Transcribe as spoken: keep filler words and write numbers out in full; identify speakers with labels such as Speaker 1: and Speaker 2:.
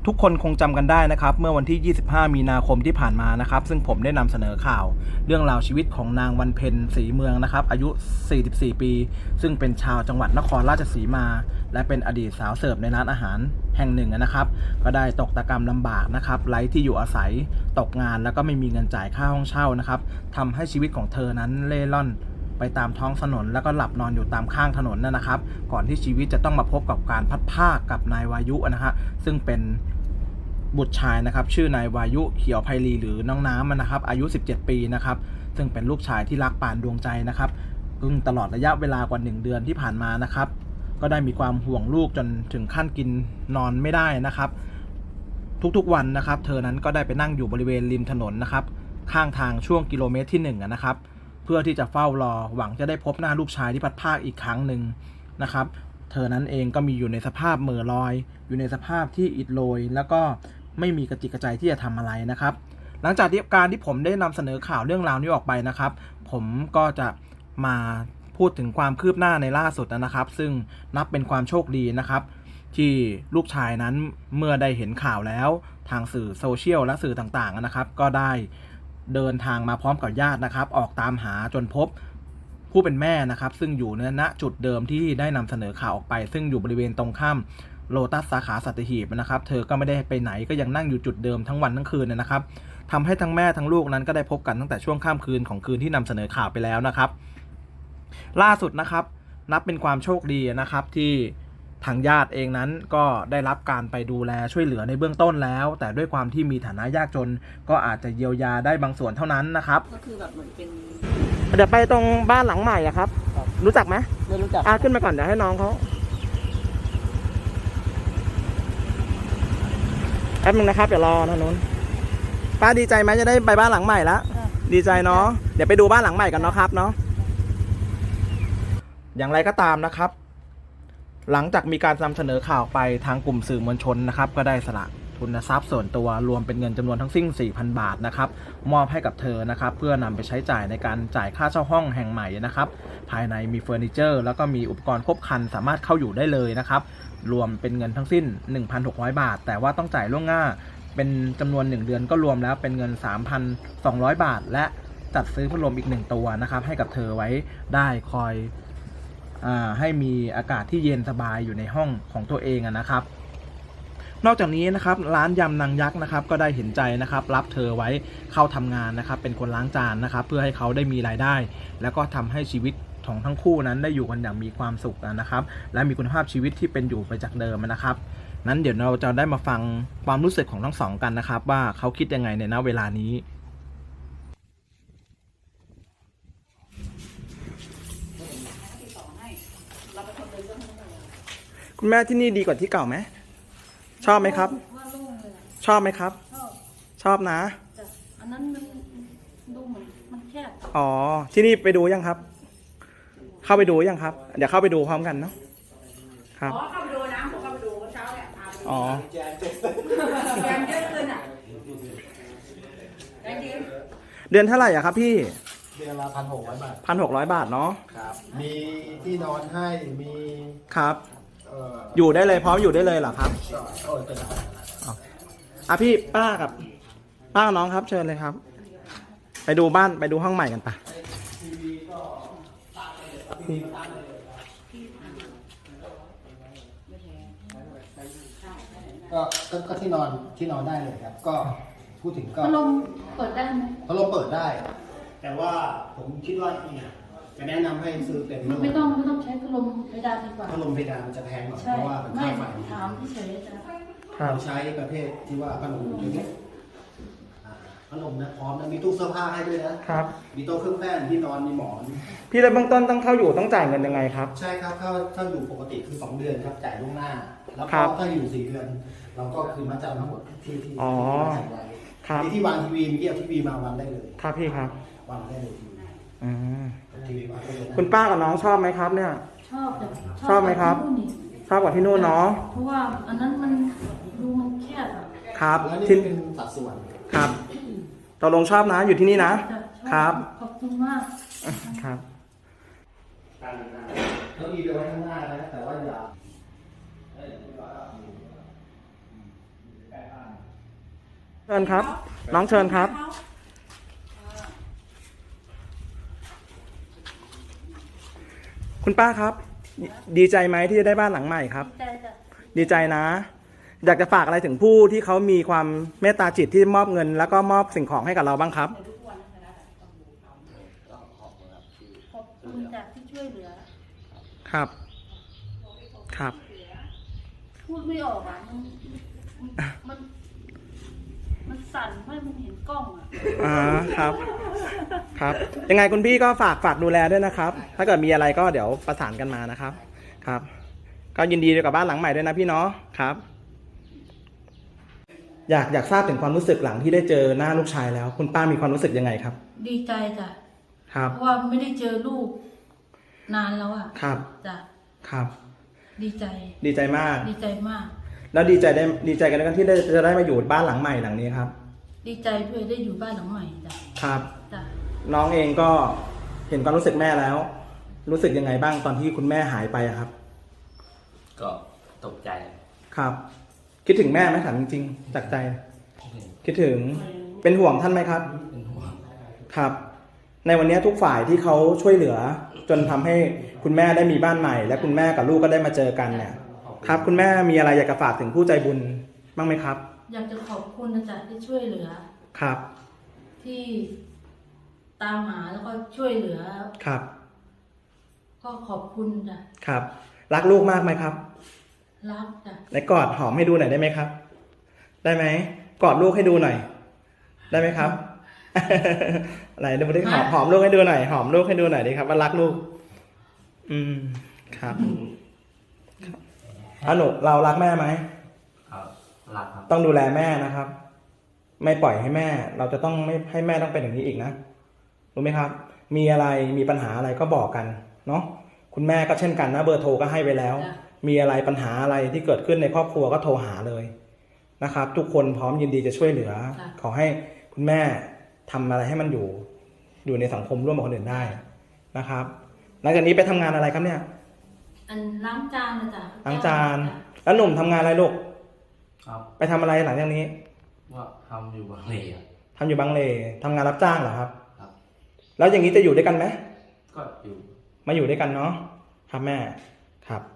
Speaker 1: ทุกคนคงจำกันได้นะครับเมื่อวันที่ ยี่สิบห้า มีนาคมที่ผ่านมานะครับซึ่งผมได้นำเสนอข่าวเรื่องราวชีวิตของนางวันเพ็ญศรีเมืองนะครับอายุ สี่สิบสี่ ปีซึ่งเป็นชาวจังหวัดนครราชสีมาและเป็นอดีตสาวเสิร์ฟในร้านอาหารแห่งหนึ่งนะครับก็ได้ตกตะกรรมลำบากนะครับไร้ที่อยู่อาศัยตกงานแล้วก็ไม่มีเงินจ่ายค่าห้องเช่านะครับทำให้ชีวิตของเธอนั้นเล่ร่อนไปตามท้องถนนแล้วก็หลับนอนอยู่ตามข้างถนนนั่นนะครับก่อนที่ชีวิตจะต้องมาพบกับการพัดภาคกับนายวายุนะฮะซึ่งเป็นบุตรชายนะครับชื่อนายวายุเขียวไพลีหรือน้องน้ำนะครับอายุสิบเจ็ดปีนะครับซึ่งเป็นลูกชายที่รักปานดวงใจนะครับซึ่งตลอดระยะเวลากว่าหนึ่งเดือนที่ผ่านมานะครับก็ได้มีความห่วงลูกจนถึงขั้นกินนอนไม่ได้นะครับทุกๆวันนะครับเธอนั้นก็ได้ไปนั่งอยู่บริเวณริมถนนนะครับข้างทางช่วงกิโลเมตรที่หนึ่งนะครับเพื่อที่จะเฝ้ารอหวังจะได้พบหน้าลูกชายที่พัดภาคอีกครั้งหนึ่งนะครับเธอนั้นเองก็มีอยู่ในสภาพเหม่อลอยอยู่ในสภาพที่อิดโรยแล้วก็ไม่มีกระจิกกระใจที่จะทำอะไรนะครับหลังจากที่การที่ผมได้นำเสนอข่าวเรื่องราวนี้ออกไปนะครับผมก็จะมาพูดถึงความคืบหน้าในล่าสุดนะครับซึ่งนับเป็นความโชคดีนะครับที่ลูกชายนั้นเมื่อได้เห็นข่าวแล้วทางสื่อโซเชียลและสื่อต่างๆนะครับก็ได้เดินทางมาพร้อมกับญาตินะครับออกตามหาจนพบผู้เป็นแม่นะครับซึ่งอยู่ณจุดเดิมที่ได้นำเสนอข่าวออกไปซึ่งอยู่บริเวณตรงข้ามโลตัสสาขาสัตหีบนะครับเธอก็ไม่ได้ไปไหนก็ยังนั่งอยู่จุดเดิมทั้งวันทั้งคืนนะครับทำให้ทั้งแม่ทั้งลูกนั้นก็ได้พบกันตั้งแต่ช่วงค่ำคืนของคืนที่นำเสนอข่าวไปแล้วนะครับล่าสุดนะครับนับเป็นความโชคดีนะครับที่ทางญาติเองนั้นก็ได้รับการไปดูแลช่วยเหลือในเบื้องต้นแล้วแต่ด้วยความที่มีฐานะยากจนก็อาจจะเยียวยาได้บางส่วนเท่านั้นนะครับ
Speaker 2: ก็คือแบบเหมือนเป็น
Speaker 1: เดี๋ยวไปตรงบ้านหลังใหม่อะครับรู้จักไหม
Speaker 2: ไม่รู้จัก
Speaker 1: อ่ะขึ้นมาก่อนเดี๋ยวให้น้องเขาแป๊บนึงนะครับเดี๋ยวรอนะนู้นป้าดีใจไหมจะได้ไปบ้านหลังใหม่แล้วดีใจเนาะเดี๋ยวไปดูบ้านหลังใหม่กันเนาะครับเนาะอย่างไรก็ตามนะครับหลังจากมีการนำเสนอข่าวไปทางกลุ่มสื่อมวลชนนะครับก็ได้สละทุนทรัพย์ส่วนตัวรวมเป็นเงินจำนวนทั้งสิ้น สี่พัน บาทนะครับมอบให้กับเธอนะครับเพื่อนำไปใช้จ่ายในการจ่ายค่าเช่าห้องแห่งใหม่นะครับภายในมีเฟอร์นิเจอร์แล้วก็มีอุปกรณ์ครบครันสามารถเข้าอยู่ได้เลยนะครับรวมเป็นเงินทั้งสิ้น หนึ่งพันหกร้อย บาทแต่ว่าต้องจ่ายล่วงหน้าเป็นจำนวนหนึ่งเดือนก็รวมแล้วเป็นเงิน สามพันสองร้อย บาทและจัดซื้อพัดลมอีกหนึ่งตัวนะครับให้กับเธอไว้ได้คอยอ่าให้มีอากาศที่เย็นสบายอยู่ในห้องของตัวเองนะครับนอกจากนี้นะครับร้านยำนางยักษ์นะครับก็ได้เห็นใจนะครับรับเธอไว้เข้าทำงานนะครับเป็นคนล้างจานนะครับเพื่อให้เขาได้มีรายได้แล้วก็ทำให้ชีวิตของทั้งคู่นั้นได้อยู่กันอย่างมีความสุขนะครับและมีคุณภาพชีวิตที่เป็นอยู่ไปจากเดิมนะครับนั้นเดี๋ยวเราจะได้มาฟังความรู้สึกของทั้งสองกันนะครับว่าเขาคิดยังไงในณเวลานี้คุณแม่ที่นี่ดีกว่าที่เก่าไหมชอบไหมครับชอบไหมครับชอบชอบนะ
Speaker 2: อันนั้นมันดูเหมือนมันแคบ
Speaker 1: อ๋อที่นี่ไปดูยังครับเข้าไปดูยังครับเดี๋ยวเข้าไปดูพร้อมกันเนาะครับ
Speaker 2: อ๋อเข้าไปดูนะผมเข้าไปดูเมื่อเช้าเนี่ย
Speaker 1: อ๋อ
Speaker 2: แกงเยอะขึ้นอ่ะ
Speaker 1: เดือนเท่าไหร่อะครับพี่
Speaker 3: เดือนละพันหกร้อยบาท
Speaker 1: พันหกร้อยบาทเนาะ
Speaker 3: ครับมีที่นอนให้มี
Speaker 1: ครับอยู่ได้เลยพร้อมอยู่ได้เลยเหรอครับ
Speaker 3: โอ้ยจะได้
Speaker 1: อ่ะพี่ป้ากับป้าน้องครับเชิญเลยครับไปดูบ้านไปดูห้องใหม่กันปะ
Speaker 3: ก็ก็ที่นอนที่นอนได้เลยครับก็พูดถึงก็
Speaker 2: พัดลมเปิดได้ไหม
Speaker 3: พัดลมเปิดได้แต่ว่าผมคิดว่าจะแนะนำให้ซื้อเป็น
Speaker 2: ไม่ต้องไม่ต้องใช้พัดลมเพดานดีกว่า
Speaker 3: พัดลมเพดานมันจะแพงหน่อยเพราะว่ามัน
Speaker 2: ค่า
Speaker 3: ไฟ
Speaker 2: ถามที่เฉยจะ
Speaker 3: เราใช้ประเภทที่ว่าพัดลมตัวนี้พัดลมนะพร้อมนะมีตู้เสื้อผ้าให้ด้วยนะครับมีโต๊ะเครื่องแป้งที่นอนมีหมอน
Speaker 1: พี่แล้วเบื้องต้นต้องเข้าอยู่ต้องจ่ายเงินยังไงครับ
Speaker 3: ใช่ครับเข้าถ้าอยู่ปกติคือสองเดือนครับจ่ายล่วงหน้าแล้วก็ถ้าอยู่สี่เดือนเราก็คือมัดจำทั้งหมดที่ที่
Speaker 1: อ๋อ
Speaker 3: ครับที่วางทีวีมีเอาทีวีมาวันได้เลย
Speaker 1: ครับพี่ครับ
Speaker 3: วางได้เลย
Speaker 1: อืม
Speaker 3: ทีวีวางได้เลย
Speaker 1: คุณป้ากับน้องชอบไหมครับเนี่ย
Speaker 2: ชอบ
Speaker 1: ชอบไหมครับชอบกว่าที่นู่นเนาะ
Speaker 2: เพราะว่าอันนั้นมันดูมันแคบอ่ะ
Speaker 1: ครับ
Speaker 3: ที่เป็นสัดส่วน
Speaker 1: ครับตกลงชอบนะอยู่ที่นี่นะครับ
Speaker 2: ขอบคุณมาก
Speaker 1: ครับ
Speaker 3: เขาอีเวนต์ไว้ข้างหน้านะแต่ว่าอย่า
Speaker 1: เชิญครับ น้องเชิญครับ คุณป้าครับ ดีใจไหมที่จะได้บ้านหลังใหม่ครับ
Speaker 2: ดีใจจ้ะ
Speaker 1: ดีใจนะ อยากจะฝากอะไรถึงผู้ที่เขามีความเมตตาจิตที่มอบเงิน แล้วก็มอบสิ่งของให้กับเราบ้างครับ
Speaker 2: ขอบคุณจากที่ช่วยเหลือ
Speaker 1: ครับ ครับ
Speaker 2: พูดไม่ออกอ่ะมันมัน มันสั่นเพราะมันเห็นกล้องอ่ะ
Speaker 1: อ่าครับ ครับ ยังไงคุณพี่ก็ฝากฝากดูแลด้วยนะครับ ถ้าเกิดมีอะไรก็เดี๋ยวประสานกันมานะครับ ครับ ก็ยินดีกับบ้านหลังใหม่ด้วยนะพี่เนาะครับ อยากอยากทราบถึงความรู้สึกหลังที่ได้เจอหน้าลูกชายแล้ว คุณป้ามีความรู้สึกยังไงครับ
Speaker 2: ดีใจจ้ะ
Speaker 1: ครับ
Speaker 2: เพราะว่าไม่ได้เจอลูกนานแล้วอ่ะ
Speaker 1: ครับ
Speaker 2: จ้ะ
Speaker 1: ครับ
Speaker 2: ดีใจ
Speaker 1: ดีใจมาก
Speaker 2: ดีใจมาก
Speaker 1: แล้วดีใจได้ดีใจกันแล้วกันที่ได้จะได้มาอยู่บ้านหลังใหม่หลังนี้ครับ
Speaker 2: ดีใจด้วยได้อยู่บ้านหลังใหม่จ้ะ
Speaker 1: ครับ
Speaker 2: จ้ะ
Speaker 1: น้องเองก็เห็นความรู้สึกแม่แล้ว รู้สึกยังไงบ้างตอนที่คุณแม่หายไปอะครับ
Speaker 4: ก็ตกใจ
Speaker 1: ครับ คิดถึงแม่ไหมถามจริงๆจากใจ คิดถึงเป็นห่วงท่านไหมครับ
Speaker 4: เป็นห่วง
Speaker 1: ครับ ในวันนี้ทุกฝ่ายที่เขาช่วยเหลือ จนทำให้คุณแม่ได้มีบ้านใหม่ และคุณแม่กับลูกก็ได้มาเจอกันเนี่ย ครับ คุณแม่มีอะไรอยากจะฝากถึงผู้ใจบุญบ้างไหมครับ
Speaker 2: อยากจะขอบคุณนะจ๊ะที่ช่วยเหลือ
Speaker 1: ครับ
Speaker 2: ที่ตามหาแล้วก็ช่วยเหลือ
Speaker 1: ครับ
Speaker 2: ก็ขอบคุณจ้ะ
Speaker 1: ครับ รักลูกมากไหมครับ
Speaker 2: รักจ้ะ
Speaker 1: ไหนกอดหอมให้ดูหน่อยได้ไหมครับ ได้ไหมกอดลูกให้ดูหน่อย ได้ไหมครับ อะไรดูดิหอมหอมลูกให้ดูหน่อยหอมลูกให้ดูหน่อยดิครับว่ารักลูก อืมครับอ่ะหนูเรารักแม่ไหม
Speaker 4: ครับรักครับ
Speaker 1: ต้องดูแลแม่นะครับ ไม่ปล่อยให้แม่ เราจะต้องไม่ให้แม่ต้องเป็นอย่างนี้อีกนะรู้ไหมครับ มีอะไรมีปัญหาอะไรก็บอกกันเนาะคุณแม่ก็เช่นกันนะเบอร์โทรก็ให้ไว้แล้ว มีอะไรปัญหาอะไรที่เกิดขึ้นในครอบครัวก็โทรหาเลยนะครับ ทุกคนพร้อมยินดีจะช่วยเหลือ ขอให้คุณแม่ทำอะไรให้มันอยู่ อยู่ในสังคมร่วมกับคนอื่นได้นะครับหลังจากนี้ไปทำงานอะไรครับเนี่ย
Speaker 2: อันล้างจานนะจ๊ะ
Speaker 1: ล้างจาน แล้วหนุ่มทำงานอะไรลูก
Speaker 4: ครับ
Speaker 1: ไปทำอะไรหลังจากนี้
Speaker 4: ว่าทำอยู่บางเลอะ
Speaker 1: ทำอยู่บางเลทำงานรับจ้างเหรอครับ
Speaker 4: ครับ
Speaker 1: แล้วอย่างนี้จะอยู่ด้วยกันไหม
Speaker 4: ก็อยู่
Speaker 1: มาอยู่ด้วยกันเนาะครับแม่ครับ